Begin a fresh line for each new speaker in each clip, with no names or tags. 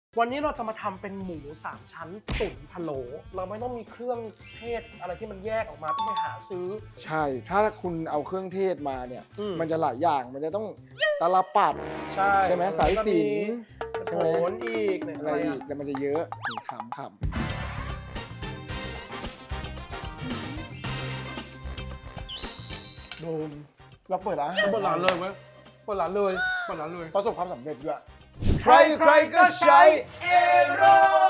วันนี้เราจะมาทำเป็นหมู3ชั้นตุ๋นพะโล้เราไม่ต้องมีเครื่องเทศอะไรที่มันแยกออกมาต้องไปหาซื้อ
ใช่ถ้าคุณเอาเครื่องเทศมาเนี่ย
มัน
จะหลายอย่างมันจะต้องตาลปัดใช่ไหมสายสิญจน์
โหนอีกเนี่ย
อะไรอีกแต่มันจะเยอะขำโดมเราเปิดร้าน
เปิดร้านเลยเว้ยเปิดร้านเลย
ประสบความสำเร็จด้วยใครก็ใช้เอโร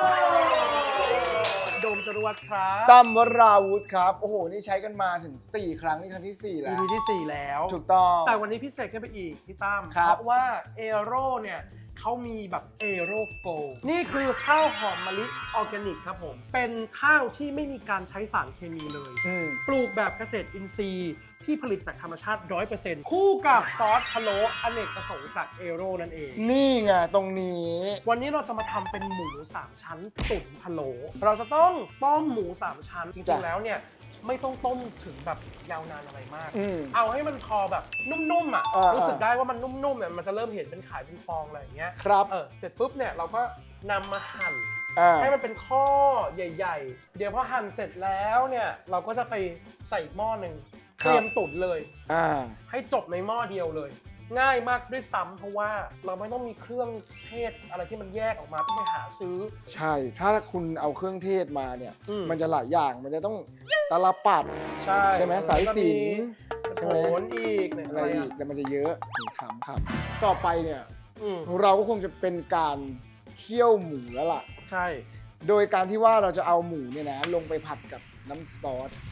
โดมจรวดครับ
ตั้มวราวุธครับโอ้โหนี่ใช้กันมาถึง4 ครั้งนี่ครั้งที่ 4 แล้ว
EP ที่ 4 แล้ว
ถูกต้อง
แต่วันนี้พิเศษขึ้นไปอีกพี่ตั้ม
ครับ
เพราะว่าเอโรเนี่ยเขามีแบบเอโรโฟนี่คือข้าวหอมมะลิออร์แกนิกครับผมเป็นข้าวที่ไม่มีการใช้สารเคมีเลย ปลูกแบบเกษตรอินทรีย์ที่ผลิตจากธรรมชาติ 100% คู่กับซอสพะโล้อเนกประสงค์จากเอโรนั่นเอง
นี่ไงตรงนี้
วันนี้เราจะมาทำเป็นหมู3ชั้นตุ๋นพะโล้เราจะต้องต้มหมู3ชั้นจริงๆแล้วเนี่ยไม่ต้องต้มถึงแบบยาวนานอะไรมากเอาให้มันพอแบบนุ่มๆอ่ะรู้สึกได้ว่ามันนุ่มๆเนี่ยมันจะเริ่มเห็นเป็นขายเป็นฟองอะไรอย่างเงี้ย
ครับ
เสร็จปุ๊บเนี่ยเราก็นำมาหั่นให้มันเป็นข้อใหญ่ๆเดี๋ยวพอหั่นเสร็จแล้วเนี่ยเราก็จะไปใส่อีกหม้อหนึ่งเตรียมตุ๋นเลยให้จบในหม้อเดียวเลยง่ายมากด้วยซ้ำเพราะว่าเราไม่ต้องมีเครื่องเทศอะไรที่มันแยกออกมาต้องไปหาซื้อ
ใช่ถ้าคุณเอาเครื่องเทศมาเนี่ยมันจะหลายอย่างมันจะต้องตาลปัดใช่ไหมสายสิญจน์
โหนอีกเนี่ย
อะไรอีกแต่มันจะเยอะขำต่อไปเนี่ยเราก็คงจะเป็นการเคี่ยวหมูแล้วล่ะ
ใช่
โดยการที่ว่าเราจะเอาหมูเนี่ยนะลงไปผัดกับน้ำซอส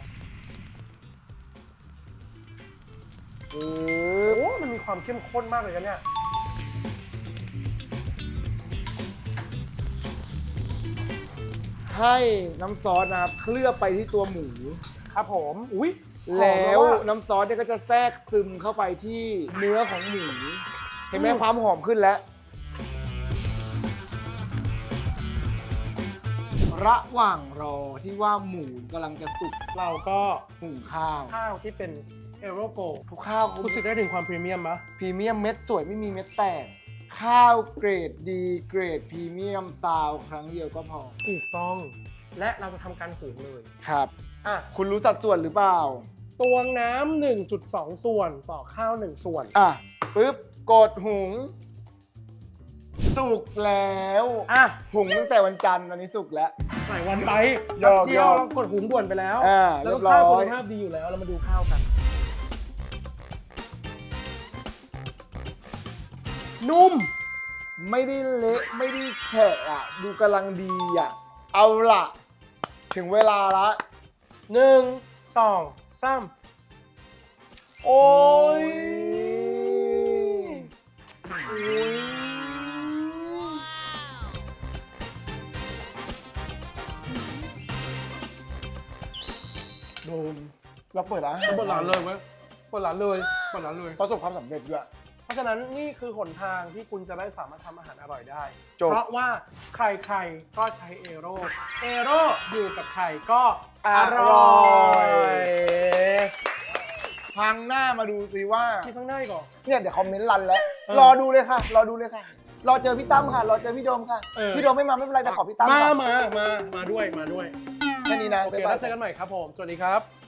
โอ้มันมีความเข้มข้นมากเลยนะเนี่ย
ให้น้ำซอสนะครับเคลือบไปที่ตัวหมู
ครับผมอุ๊ย
แล้วน้ำซอสเนี่ยก็จะแทรกซึมเข้าไปที่เนื้อของหมูเห็นไหมความหอมขึ้นแล้วระหว่างรอที่ว่าหมูกำลังจะสุก
เราก็
หุงข้าว
ที่เป็นเอโรโก
ทุกข้าว
รู้สึกได้ถึงความพรีเมียมปะ
พรีเมียมเม็ดสวยไม่มีเม็ดแตกข้าวเกรดดีเกรดพรีเมียมซาวครั้งเดียวก็พอ
ถูกต้องและเราจะทำการหุงเลย
ครับคุณรู้สัดส่วนหรือเปล่า
ตวงน้ำ 1.2 ส่วนต่อข้าว1ส่วน
ปึ๊บกดหุงสุกแล้วหุงตั้งแต่วันจันทร์ตอนนี้สุกแล้ว
หลายวันไป
เดียว
กดหุงด่วนไปแล้วแล้ว
ข้าว
คุณภาพดีอยู่แล้วเรามาดูข้าวกันนุ่ม
ไม่ได้เละไม่ได้แฉะดูกำลังดีเอาล่ะถึงเวลาละ
1 2 3โอ้ย
โดมเราเปิดร้าน
เลยเว้ยเปิดร้านเลย
ประสบความสำเร็จด้วย
เพราะฉะนั้นนี่คือหนทางที่คุณจะได้สามารถทำอาหารอร่อยได้เพราะว่าใครๆก็ใช้เอโรอยู่กับใครก็อร่อย
พังหน้ามาดูสิว่า
ที่ข้างหน้าก่อน
เนี่ยเดี๋ยวคอมเมนต์รันแล้วรอดูเลยค่ะรอเจอพี่ตั้มค่ะรอเจอพี่โดมค่ะพี่โดมไม่มาไม่เป็นไรแต่ขอพี่ตั้ม
มาด้วย
แค่นี้นะ
โอเคแล้วเจอกันใหม่ครับผมสวัสดีครับ